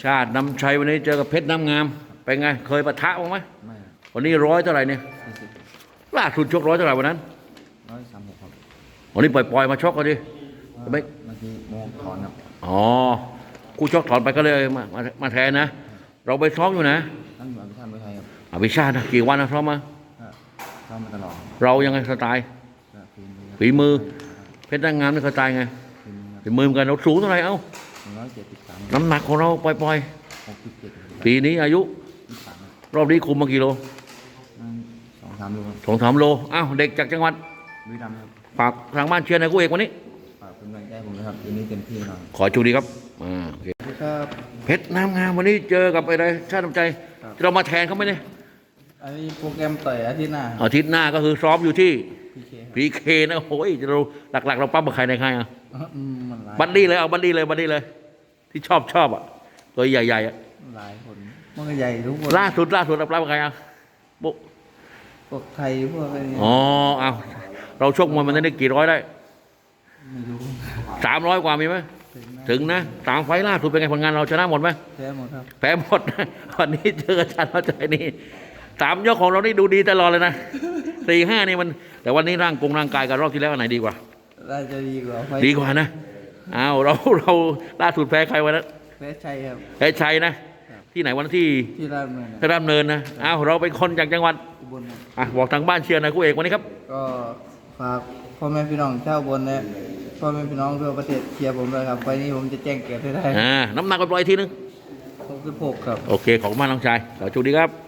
ชาตินำชัยวันนี้เจอกับเพชรน้ำงามเป็นไงเคยปะทะบ้างไหมไม่วันนี้ร้อยเท่าไหร่เนี่ย 40 ล่าสุดชกร้อยเท่าไหร่วันนั้น 136ครับวันนี้ปล่อยมาชกกันดิไม่เมื่อกี้โมถอนครับอ๋อคู่ชกถอนไปก็เลยมาแทนนะเราไปซ้อมอยู่นะนั่งอยู่อภิชาติมวยไทยครับอภิชาตินะกี่วันนะซ้อมมาซ้อมมาตลอดเรายังไงสไตล์ฝีมือเพชรน้ำงามนี่สไตล์ไงฝีมือเหมือนกันเราสูงเท่าไหร่เอ้า 173 น้ำหนักของเราปล่อย 67 ปีนี้อายุรอบนี้คุมมากี่โล 2-3โล 2-3 โลอ้าวเด็กจากจังหวัดบุรีรัมย์ครับฝากทางบ้านเชียร์ในคู่เอกวันนี้ฝากเป็นกำลังใจผมนะครับทีนี้เต็มที่หน่อยขอโชคดีครับโอเคครับเพชรน้ำงามวันนี้เจอกับอะไรชาติน้ำใจเรามาแทนเขาไหมเนี่ยอันนี้โปรแกรมต่อยอาทิตย์หน้าก็คือซ้อมอยู่ที่พีพีเคนะโอ้ยเราหลักๆเราปั๊มกับใครในใครอ่ะบับัดดี้เลยเอาบัดดี้เลยที่ชอบอ่ะตัวใหญ่ๆอ่ะหลายคนมันก็ใหญ่ทุกคนล่าสุดเราปั๊มกับใครอ่ะพวกไทยพวกอะไรอ๋อเอาเราชกมวยมันได้กี่ร้อยได้ไม่รู้ 300กว่ามีไหมถึงนะ3 ไฟล์ล่าสุดเป็นไงผลงานเราชนะหมดไหมแพ้หมดครับแพ้หมดวันนี้เจออาจารย์เข้าใจนี่3 ยกของเรานี่ดูดีตลอดเลยนะ4-5นี่มันแต่วันนี้ร่างกายกับรอบที่แล้วอันไหนดีกว่าน่าจะดีกว่าดีกว่านะเอาเราล่าสุดแพ้ใครวันนั้นแพ้ชัยครับแพ้ชัยนะที่ไหนวันที่ราชดำเนินนะเอาเราเป็นคนจากจังหวัดอุบลบอกทางบ้านเชียร์นะคู่เอกวันนี้ครับก็ฝากพ่อแม่พี่น้องชาวอุบลนะพ่อแม่พี่น้องทั่วประเทศเชียร์ผมด้วยครับไฟนี้ผมจะแจ้งเกิดให้ได้น้ำหนักไปปล่อยทีนึง 66ครับโอเคขอบคุณมากน้องชายขอโชคดีครับ